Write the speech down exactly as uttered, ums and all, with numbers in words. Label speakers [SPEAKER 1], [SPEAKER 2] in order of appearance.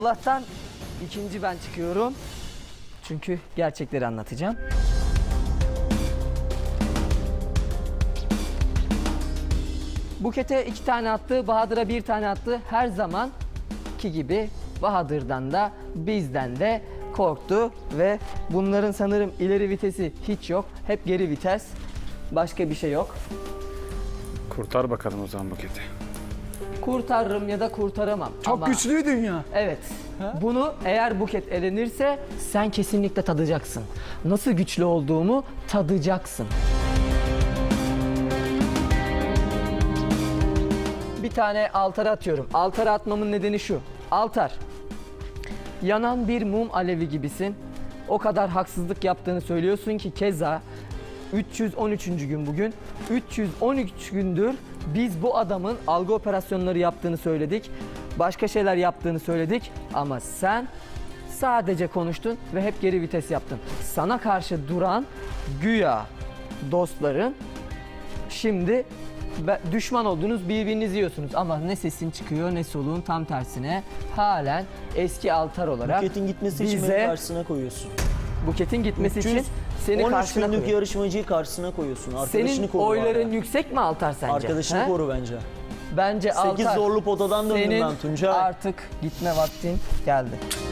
[SPEAKER 1] Allah'tan ikinci ben çıkıyorum. Çünkü gerçekleri anlatacağım. Buket'e iki tane attı, Bahadır'a bir tane attı. Her zamanki gibi Bahadır'dan da bizden de korktu ve bunların sanırım ileri vitesi hiç yok. Hep geri vites. Başka bir şey yok.
[SPEAKER 2] Kurtar bakalım o zaman Buket'i.
[SPEAKER 1] Kurtarırım ya da kurtaramam.
[SPEAKER 3] Çok
[SPEAKER 1] Ama
[SPEAKER 3] güçlüydün ya.
[SPEAKER 1] evet. Bunu eğer Buket elenirse sen kesinlikle tadacaksın. Nasıl güçlü olduğumu tadacaksın. Bir tane altara atıyorum. Altara atmamın nedeni şu. Altar. Yanan bir mum alevi gibisin. O kadar haksızlık yaptığını söylüyorsun ki keza üç yüz on üçüncü gün bugün. üç yüz on üç gündür biz bu adamın algı operasyonları yaptığını söyledik. Başka şeyler yaptığını söyledik ama sen sadece konuştun ve hep geri vites yaptın. Sana karşı duran güya dostların şimdi düşman olduğunuz birbirinizi yiyorsunuz ama ne sesin çıkıyor ne soluğun, tam tersine halen eski altar olarak
[SPEAKER 4] Buket'in gitmesi için
[SPEAKER 1] bize-
[SPEAKER 4] beni karşısına koyuyorsun.
[SPEAKER 1] Buketin gitmesi için seni
[SPEAKER 4] on üç
[SPEAKER 1] karşına
[SPEAKER 4] günlük
[SPEAKER 1] koyuyor.
[SPEAKER 4] yarışmacıyı karşısına koyuyorsun. Arkadaşını
[SPEAKER 1] Senin
[SPEAKER 4] koru.
[SPEAKER 1] oyların
[SPEAKER 4] hala.
[SPEAKER 1] yüksek mi Altar sence?
[SPEAKER 4] Arkadaşını
[SPEAKER 1] He?
[SPEAKER 4] koru bence.
[SPEAKER 1] Bence
[SPEAKER 4] Sekiz
[SPEAKER 1] Altar.
[SPEAKER 4] zorlu potadan döndüm
[SPEAKER 1] Senin
[SPEAKER 4] ben Tuncay.
[SPEAKER 1] artık gitme vaktin geldi.